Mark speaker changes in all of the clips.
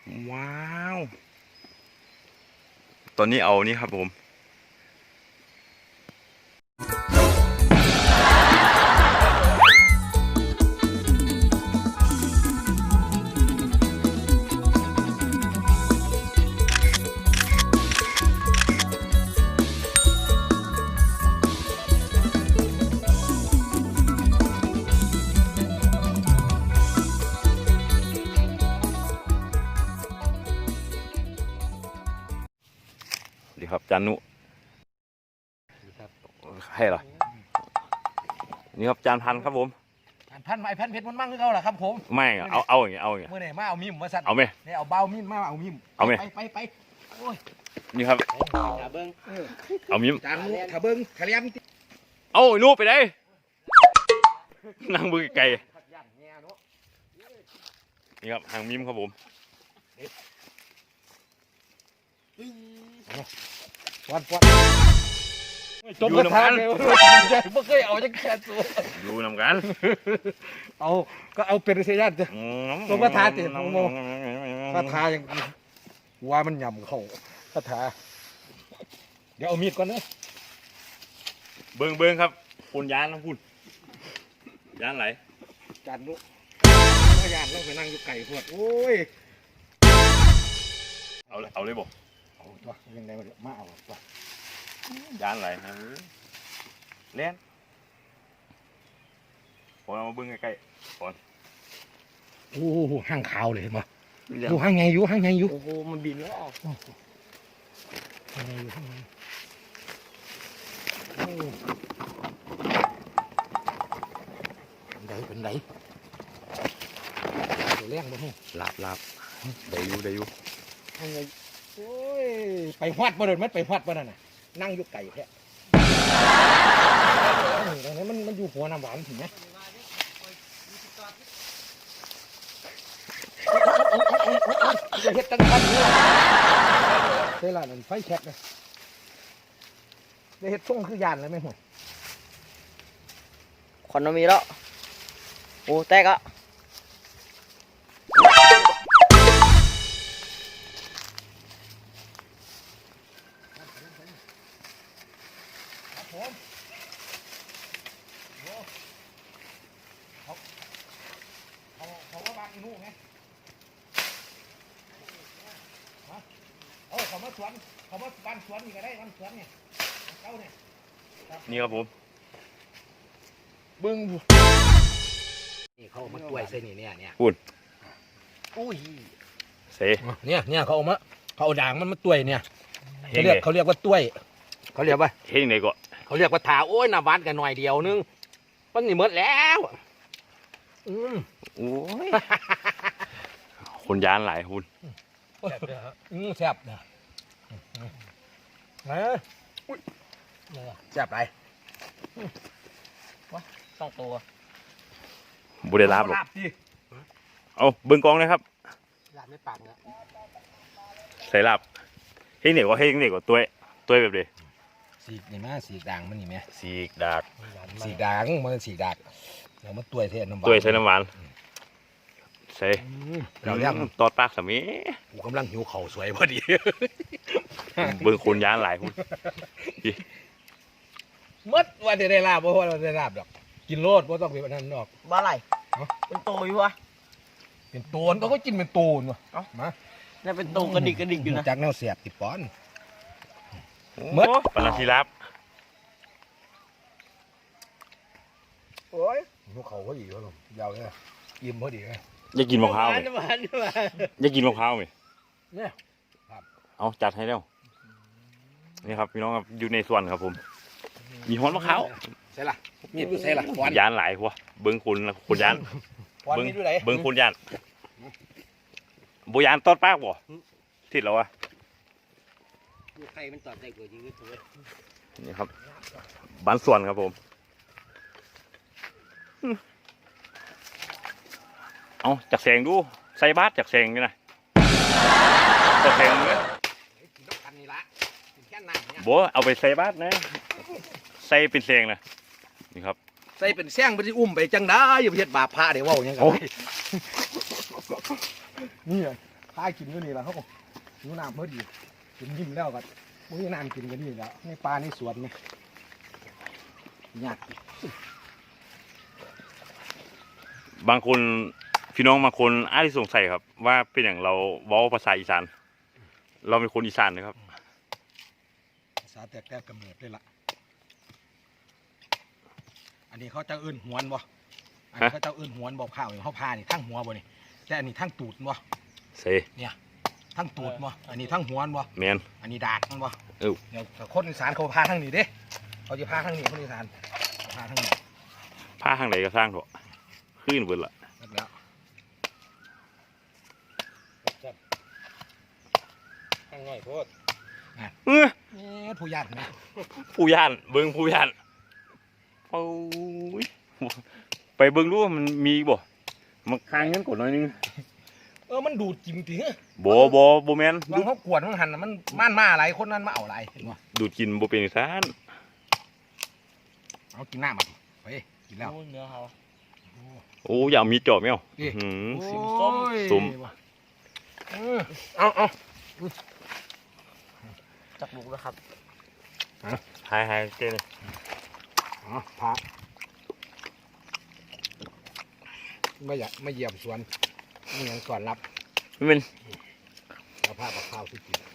Speaker 1: ว้าวตอนนี้เอานี่ครับผมดีครับจานุให้เหรอนี่ครับจานพันครับผม
Speaker 2: พันไม้พันเพชรมันมั่งคือเขาเหรอครับผม
Speaker 1: ไม่เอาอย่างเงี้ยเมื่
Speaker 2: อไหร่มาเอามีมมาสั่น
Speaker 1: เอาไหม
Speaker 2: เนี่ยเอาเบามีมมาเอามีม
Speaker 1: เอาไหม
Speaker 2: ไปโอ้ย
Speaker 1: นี่ครับ
Speaker 2: ขาเบิ้ง
Speaker 1: เอามีม
Speaker 2: จานขาเบิ้งขาเลี้ยม
Speaker 1: เอาไอ้นูไปได้นั่งมือไก่นี่ครับหางมีมครับผม
Speaker 2: วันจบกระทะเลยไม่เคยเอาจะแค่ตัว
Speaker 1: ดูนำกัน
Speaker 2: เอาก็เอาเป็นเสียยันจ้ะจบกระทะติโมกระทะยังว่ามันหย่ำเขากระทะเดี๋ยวเอามีดก่อนนะ
Speaker 1: เบิ้งครับคุณยานนะคุณยานไหล
Speaker 2: จานลูกยานต้องไปนั่งอยู่ไก่พวดโอ้ย
Speaker 1: เอาเลยบอก
Speaker 2: เอาตัวยังไงมาเอาตัวย
Speaker 1: านไหลเล่นผมเอามาเบิ้งใกล้ๆก่อน
Speaker 2: โอ้ห้างขาวเลยมาอยู่ห้างไงอยู่ห้างไงอยู่
Speaker 3: โอ้โหมันบินแล้วออก
Speaker 2: ห้างไงอยู่ห้างไงเป็นไรตัวแรงบ่ฮู้
Speaker 1: ลาบได้อยู่
Speaker 2: ห้างไงโอ้ยไปฮอดบ่เดินมันไปฮอดบ่นั่นน่ะนั่งอยู่ไก่แท้ตรงนี้มันอยู่หัวน้ำหวานถึงไหมจะเฮ็ดตั้งคันนี่เวลานั้นไฟแช็กเลยจะเฮ็ดส่งคือยานเลยไหมหัว
Speaker 3: ควันมันมีแล้วโอ้แตกอ่ะ
Speaker 2: เขาว่าบ้านอีนู่ไงเขามาสวนเขามาบ้านสวนนี่ก็ได้บ้านสวนเนี่ยเจ้าเนี่ย
Speaker 1: นี่ครับผม
Speaker 2: บึ้งนี่เขามาต้วยเส้นนี่เนี่ย
Speaker 1: พูด
Speaker 3: อุ้ย
Speaker 1: เส
Speaker 2: เนี่ยเขาเอาด่างมันมาต้วยเนี่ยเขาเรียกว่าต้วยเขาเรียกว่า
Speaker 1: เฮ้ยไหนก็
Speaker 2: เขาเรียกว่าถาโอ้ยน้ำหวานกันหน่อยเดียวนึงมันนี่หมดแล้ว
Speaker 1: โอ้ยคนยานหลายคุณ
Speaker 2: แซ่บนะแซ่บไร
Speaker 3: ต้องตัว
Speaker 1: บุได้ลาบหรอกเอาเบิ้งกองเลยครับ
Speaker 2: ลาบไม่ปากนะ
Speaker 1: ใส่ลาบเฮ้ยเนี่ยก็ตัวแบบเดีย
Speaker 2: สีกนี่มั้ยสีกด่างมันนี่ไหม
Speaker 1: สีกดาก
Speaker 2: สีกด่างมันสีกดากเรามาตัวเส้นน้ำหวาน
Speaker 1: ใส่น้ำหวานใส่เราเรียกตอดปากสามี
Speaker 2: กูกำลังหิวเข่าสวยพอดี
Speaker 1: เบิ้งคนยานหลายคุณ
Speaker 2: มัดว่าจะได้ลาบเพราะว่าเราได้ลาบดอกกินโลดเพราะต้องเป็นนั่นดอก
Speaker 3: บ้าอะไรเป็นโตอยู่วะ
Speaker 2: เป็นโตนเขาก็กินเป็นโตนวะมา
Speaker 3: นี่เป็นโตกระดิกอยู่นะ
Speaker 2: จากแนวเสียบติดป้อน
Speaker 1: มัดปลาทีลาบ
Speaker 2: โอ้ยหิวเข่าพอดีวะลุงยาวเลยอิ่มพอดีเลย
Speaker 1: อยากกินมะพร้าวไหมอยากกินมะพร้าวไหม
Speaker 2: เนี่ย
Speaker 1: เอาจัดให้แล้วนี่ครับพี่น้องครับอยู่ในส่วนครับผมมีฮ้อนมะพร้าว
Speaker 2: ใช่ล่ะมีดูใช่ล่ะ
Speaker 1: ยานหลายหัวเบิ้งคุณยานเบิ้งคุณยานโบยานตอดปากบ่ทิดแล้ววะ
Speaker 3: ใครมันตอดใจกว่าจริงๆเลย
Speaker 1: นี่ครับบ้านส่วนครับผมเอาจักแสงดูใส่บาสจักแสงนี่นะจักแสงเนี่ยบัวเอาไปใส่บาสนะใส่เป็นแสงนะนี่ครับ
Speaker 2: ใส่เป็นแสงไปที่อุ้มไปจังได้อย่าไปเฮ็ดบาปพระเดี๋ยวว่าอย่างเงี้ยนี่ตายกินอยู่นี่แหละเขาหิวน้ำพอดีกินยิ้มแล้วก็มื้อน้ำกินกันนี่แล้วในป่าในสวนนี่ยาก
Speaker 1: บางคนพี่น้องบางคนอาจจะสงสัยครับ ว่าเป็นอย่างเราเว้าภาษาอีสานเราเป็นคนอีสานนะครับ
Speaker 2: ภาษาแตกแต่กำเนิดเลยล่ะอันนี้เขาจะเอื้นหวนบ่อันนี้เขาจะเอื้นหวนบ่ข้าวเขาพานี่ทั้งหัวบ่นี่แต่อันนี้ทั้งตูดบ่
Speaker 1: เซ
Speaker 2: ทั้งตูดบ่อันนี้ทั้งหัวบ่
Speaker 1: แมน
Speaker 2: อันนี้ดากมันบ่
Speaker 1: เออ
Speaker 2: เดี๋ยวคนอีสานเขาพาทั้งนี้เด้เขาจะพาทั้งนี้คนอีสานพาทั้งนี้
Speaker 1: ผ้าข้างไหนก็สร้างเถอะขึ้นเบิดละ
Speaker 2: แล้ว
Speaker 3: ข้างน้อยโพด
Speaker 1: เออ
Speaker 2: นี่ผู้ญาตินะ
Speaker 1: ผู้ย่านเบิ่งผู้ย่านโอ้ยไปเบิ่งดูว่ามันมีบ่มันค้างเงินกดหน่อยนึง
Speaker 2: มันดูดจริงจริง
Speaker 1: บ่แม่น
Speaker 2: บางเขากวดมันหันน่ะมันม่านมาอะไรคนนั้นมาเอาอะไรเห็นบ่
Speaker 1: ดูดกินบ่เป็นอีสาน
Speaker 2: เอากินหน้ามาดิไปกินแล้ว
Speaker 3: เนื้อเขา
Speaker 1: โอ้อยากมีจอบแมว
Speaker 2: นี่
Speaker 1: หืม
Speaker 2: ส้ม
Speaker 1: ส้ม
Speaker 2: เอา
Speaker 3: จับลูกแล้วครับ
Speaker 1: หายเจ้นี่
Speaker 2: พาไม่อยากไม่เหยียบสวนนี่ยังก่อนรับ
Speaker 1: มันเป็น
Speaker 2: เอาผ้ากับข้าวที่กิน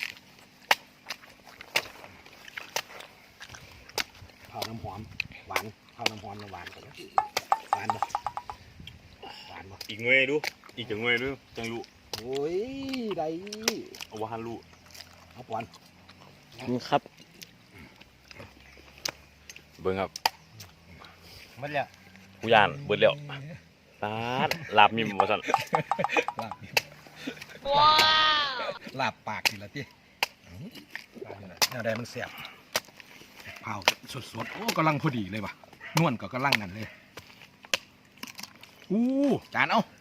Speaker 2: ข้าวน้ำหอมหวานข้าวน้ำหอมหวานกันนะหวานบ่หวานบ่
Speaker 1: อีกหน่วยดูอีกจังหน่วยดูจังรู้
Speaker 2: โอ้ยได้
Speaker 1: เอาว่าหันรู้
Speaker 2: เอาปอน
Speaker 3: นี่ครับ
Speaker 1: เบิ่งครับ
Speaker 3: มันแล้ว
Speaker 1: ผู้ย่านเบิดแล้วตาดลาบมิมว่าซั่น
Speaker 2: ลาบลาบปากนี่ละที่แนวใดมันแสบเผาสดๆโอ้กำลังพอดีเลยว่ะนวลก็กำลังนั่นเลยอู้จานเอา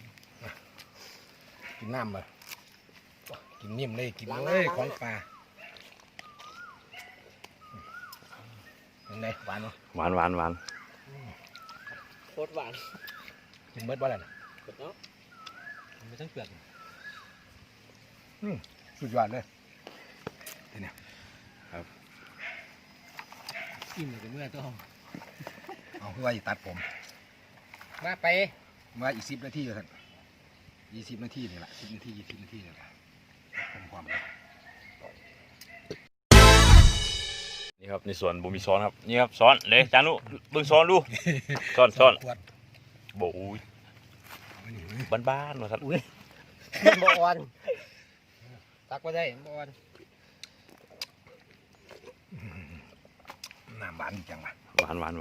Speaker 2: กินน้ำมากินนิ่มเลยกินเลยของปลาเป็นไงหวานเนาะ
Speaker 1: หวาน
Speaker 3: โคตรหวาน
Speaker 2: กินเบิดบ่แล้วนะ
Speaker 3: เปิดเนาะมันไม่ต้องเปลือก
Speaker 2: สุดยอดเลยเนี่ย
Speaker 3: กินเลยเมื่อต้อง
Speaker 2: เอาเพื่อว่าจะตัดผม
Speaker 3: มาไป
Speaker 2: ว่าอีก10 นาทีท่าน20 นาทีนี่แหละ10 นาที20 นาทีนี่แหละผมความเลย
Speaker 1: นี่ครับในสวนบ่มีซ้อนครับนี่ครับซ้อนเลยจานุเบิ่งซ้อนดูซ้อน
Speaker 2: ขวด
Speaker 1: โบ่อุ้ยบ้านๆว่าซั่น
Speaker 3: บออนตักก็ได้บออน
Speaker 2: น้ำหวานจังวะ
Speaker 1: หวาน
Speaker 2: เห็น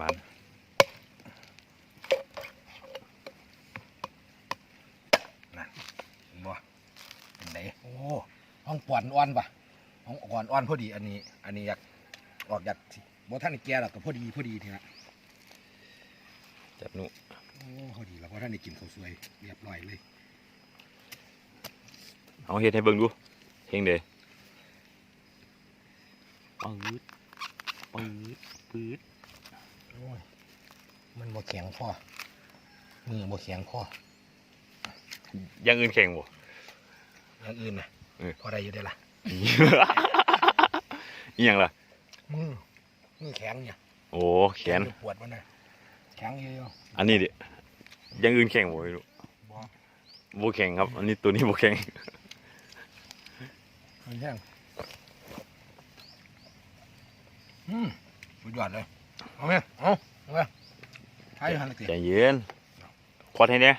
Speaker 2: บ่เป็นไงโอ้ห้องปอนอ่อนปะห้องอ่อนพอดีอันนี้อยากออกจากบ่ท่านได้แก่หรอกก็พอดีทีละ
Speaker 1: จับนุ
Speaker 2: โอ้พอดีแล้วเพราะท่านได้กินข้าวสวยเรียบร้อยเลย
Speaker 1: เอาเฮ็ดให้เบิ่งดูเฮงเด้ปืด
Speaker 2: โอ้ยมันบ่แข็งพอมือบ่แข็งพอ
Speaker 1: อย่างอื่นแข็งบ่
Speaker 2: อย่างอื่นนะ
Speaker 1: เออ
Speaker 2: พอได้อยู่ได้ล่ะ
Speaker 1: อีหยังล่ะ
Speaker 2: มือแข็งเนี่ย
Speaker 1: โอ้แขน
Speaker 2: ปวดมันนะแข็งเยอะ
Speaker 1: อันนี้ดิอย่างอื่นแข็งบ่ไม่รู้
Speaker 2: ๆบ่
Speaker 1: บ่แข็งครับ อันนี้ตัวนี้บ่แข็ง
Speaker 2: มันแข็งสุดยอดเลยเอาไหมเอาไหมใช้หันเลยสิ
Speaker 1: ใจเย็นขอดให้เนี่ย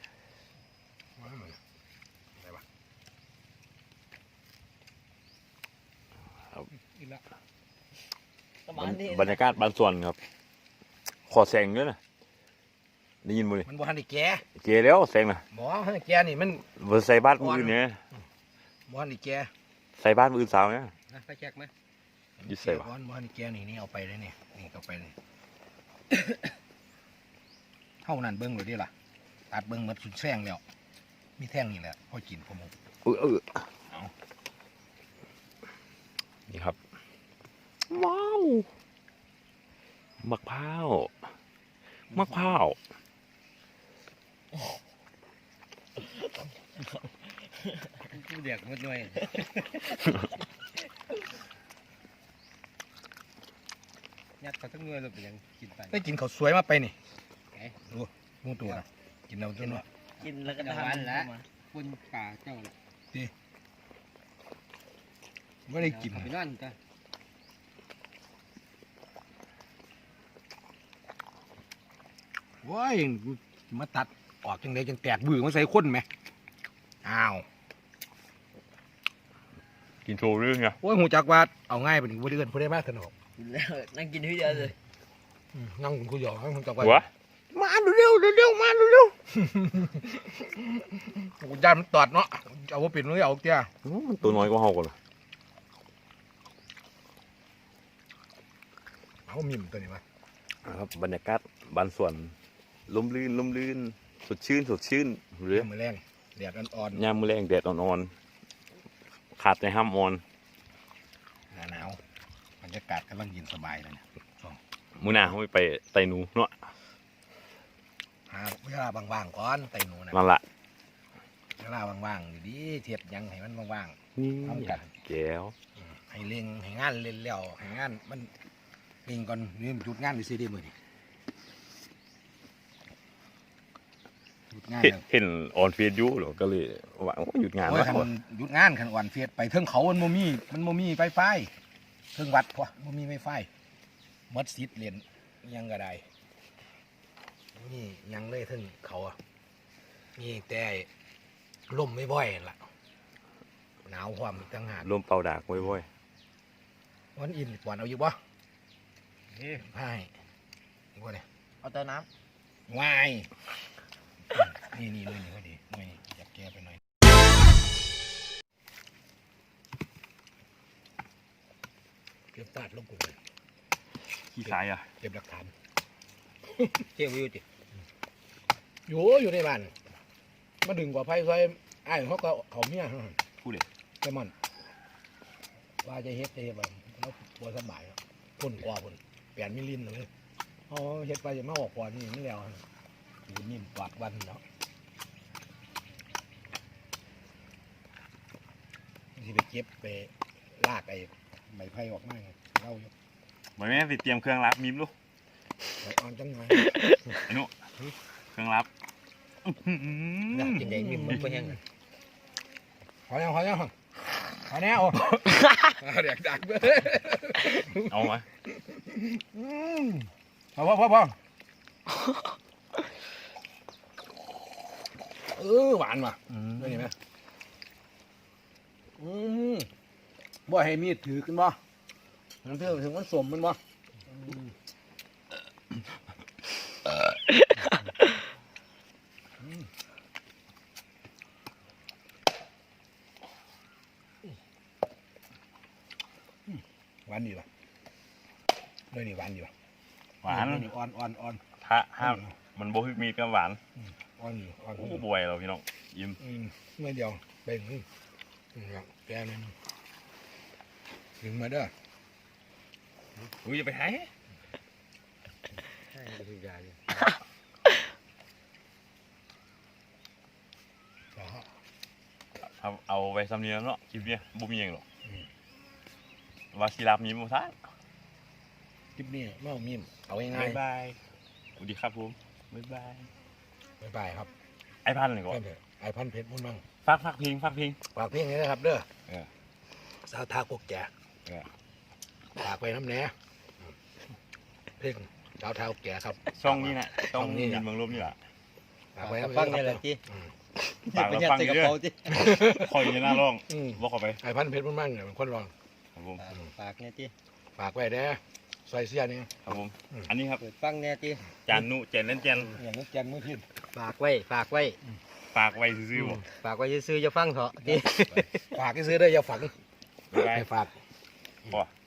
Speaker 2: อีกแล้ว
Speaker 1: บรรยากาศบางส่วนครับ ขอแสงด้วยนะได้ยินบ่นี่
Speaker 2: มันบ่ทันได้แก่
Speaker 1: เกแล้วแสงน่ะ
Speaker 2: บ่ทันได้แก่นี่มัน
Speaker 1: บ่ใส่บ้านมืออื่นเนี่ย
Speaker 2: บ่ทันได้แก่
Speaker 1: ใส่บ้านมืออื่นสาวเนี่ย
Speaker 3: นะไปแจกไหม
Speaker 1: อยู่ใส่บ่
Speaker 2: บ่ทันได้แก่นี่เอาไปเลยนี่เอาไปเลย เท่านั้นเบิ่งเลยดิล่ะตัดเบิ่งหมดสุดแซงแล้วมีแท่งนี่แหละพอกินผม เอา
Speaker 1: นี่ครับ ว้าวมะพร้าว
Speaker 3: กูเด็กหมดหน่วยยัดเขาทั้งหน่วยเลยไปยังกินไป
Speaker 2: ได้กินข้าวสวยมาไปนี่
Speaker 3: ไหน
Speaker 2: ดูมูตัวนะกินเราจนว่า
Speaker 4: กินแล้วก็
Speaker 3: เดี๋ยว
Speaker 4: ทำ
Speaker 3: วันละ
Speaker 4: มา
Speaker 3: คนป่าเจ้าละ
Speaker 2: ไม่ได้กิน
Speaker 3: ไปนั่นจ้ะ
Speaker 2: ว้ายมาตัดออกจังไดจังแตกบื้อมาใส่คนไหมอ้าว
Speaker 1: กินโชว์เรื่องไง
Speaker 2: โอ้ยหูจักว่าเอาง่ายไปถึงบ่ได้เอิ้นผู้ใดมาสนอก
Speaker 4: กินแล้วนั่งกินที่เดียวเลย
Speaker 2: นั่งกูหยอกให้หูจักว่า
Speaker 1: หัว
Speaker 2: มาเร็วๆเร็วๆมาเร็วๆกูย่านมันตอดเนาะเอาว่าปิดมือเอาเตี้ย
Speaker 1: มันตัวน้อยกว่าเฮาก่อน
Speaker 2: เอามิมตัวนี้มา
Speaker 1: ครับบรรยากาศบ้านสวนลมลื่นสดชื่นหรือ
Speaker 2: มือแรงแดดอ่อน
Speaker 1: ยามมื้อแรงแดดอ่อนๆขาดในห้ามอ่อน
Speaker 2: ๆหนาวบรรยากาศกำลังเย็นสบายเลยเนี่ย
Speaker 1: มื้อหน้าเฮาไปไต่หนูเนาะ
Speaker 2: หาเวลาว่างๆก่อนไต่หนูนะ
Speaker 1: นั่นล่ะ
Speaker 2: เวลาว่างๆดีๆเทียบหยังให้มันว่าง ทำกัน
Speaker 1: แก้ว
Speaker 2: ๆให้เล่งให้งานเล่นแล้วให้งานมันเล่งก่อนนี่มันหยุดงานไปซิได้มื้อนี้หยุดงานแล้ว
Speaker 1: เห็นออนเฟซอยู่เหรอก็เลยว่าโอ้หยุดงาน
Speaker 2: โอ้ย
Speaker 1: แล้ว
Speaker 2: คันหยุดงานคันอ่อนเฟียดไปเทิงเขามันโมมีไฟไฟเทิงวัดพอโมมีไฟไฟมัดซิดเรียนยังก็ได้นี่ยังเลยเทิงเขาอ่ะนี่แต่ลมไม่บ่อยล่ะหนาวความอีกต่างหาก
Speaker 1: ลมเป่าดากไว้
Speaker 2: วันอินกวนเอาอยู่บ่ใช่อีกว่าเนี่ย
Speaker 4: เอาเติมน้
Speaker 2: วายนี่เลยนี่ก็ดีไม่อยากแก้ไปหน่อยเก็บตาดลงกูเลย
Speaker 1: ๆขี้สายอ่ะ
Speaker 2: เก็บหลักฐาน
Speaker 3: เที่ยววิวจิ
Speaker 2: อยู่ในบ้านมาดึงกว่าไฟซอยไอ้ายเขาก็เขาเมีย
Speaker 1: พูดเลย
Speaker 2: แต่มันว่าจะเฮ็ดแบบแล้วปวดสบายครับพ่นกว่าพ่นเปลี่ยนมิลลินเลยเขาเฮ็ดไปจะมาออกกว่านี่ไม่แล้วอยู่นิ่มกวาดวันแล้วที่ไปเก็บไปลากไอ้ใบไผ่ออกมาไงเล่าอยู่
Speaker 1: บ่แม่นสิเตรียมเครื่องรับมิมลูก
Speaker 2: ใบอ่อนจังไง
Speaker 1: ไอ้หนุเครื่องรับ
Speaker 3: กินได้มิมมันก็แห้ง
Speaker 2: ขอยังขอแน่โอ้เด็กดักเบ้อ
Speaker 1: เอามา
Speaker 2: พอหวานว่ะได้ยินไหมบ่ให้มีดถือกันบ่มันเพื่อถึงมันสมมันบ่หวานดีป่ะเลยนี่หวานดีป่ะ
Speaker 1: หวาน
Speaker 2: นี่อ่อน
Speaker 1: ถ้าห้ามมันบ่มีก็หวาน
Speaker 2: อ่อนอยู่อ่อน
Speaker 1: โอ้บวยเราพี่น้องยิ้ม
Speaker 2: เมื่อเดียวเป็นแกนี่ถึงมาเด้อ
Speaker 1: อุ้ยจะไปไหน
Speaker 3: ใช่คือยาอยู่
Speaker 1: เอาไปซ้ำเนียงเนาะคลิปเนี้ยบ่มีหยังหรอกว่าสิรับมิมบ่ซะ
Speaker 2: คลิปนี้ไม่เอามีมเอาง่า
Speaker 1: บ๊าย ยบายสวัสดีครับผมบ๊ายบาย
Speaker 2: ๆบ๊ายบายครับ
Speaker 1: ไอ้พันธุ์นี่ก่อน
Speaker 2: เพื่อนไอพันเพชรมุ่นมั่ง
Speaker 1: ฝากเพลง
Speaker 2: ฝากเพลงนี้นะครับเด้อ
Speaker 1: เออ
Speaker 2: สาวทากกแก่
Speaker 1: เออ
Speaker 2: ฝากไปน้ำแหน่เพลงสาวทากกแก่ครับ
Speaker 1: ช่องนี้น่ะช่อง
Speaker 2: ช่องนี้
Speaker 1: นี้
Speaker 2: น่ะ
Speaker 1: เมืองลบนี่ล่ะ
Speaker 2: ฝากไป
Speaker 3: ฟังนี่แหละจี
Speaker 1: ฝาก
Speaker 3: ไป
Speaker 1: เรา
Speaker 3: ยัด
Speaker 1: ฟัง
Speaker 3: ใส่กระ
Speaker 1: เด้อ
Speaker 3: เป๋าจี
Speaker 1: คอยอยู่หน้าร่อง
Speaker 2: อืม
Speaker 1: บ่เข้าไป
Speaker 2: ไอพันเพชรมุ่นมั่งเนี่ยเป็นคนรอง
Speaker 1: ครับผม
Speaker 3: ฝากเนี่ยจี
Speaker 2: ฝากไว้เด้อใส่เสื้อนี่
Speaker 1: ครับผม อันนี้ครับ
Speaker 3: เปิดฟังเนี่ยจี
Speaker 1: จานนุเจนเล่นเจน
Speaker 2: อย่างนี้แกนมือพิน
Speaker 3: ฝากไว้
Speaker 1: ฝากไว้ซื่อๆบ่
Speaker 3: ฝากไว้ซื้อจะฟังเถอะจี
Speaker 2: ฝากให้ซื้อได้ออย่าฝัง
Speaker 1: บ๊ายบาย
Speaker 2: ให้ฝาก
Speaker 1: บ่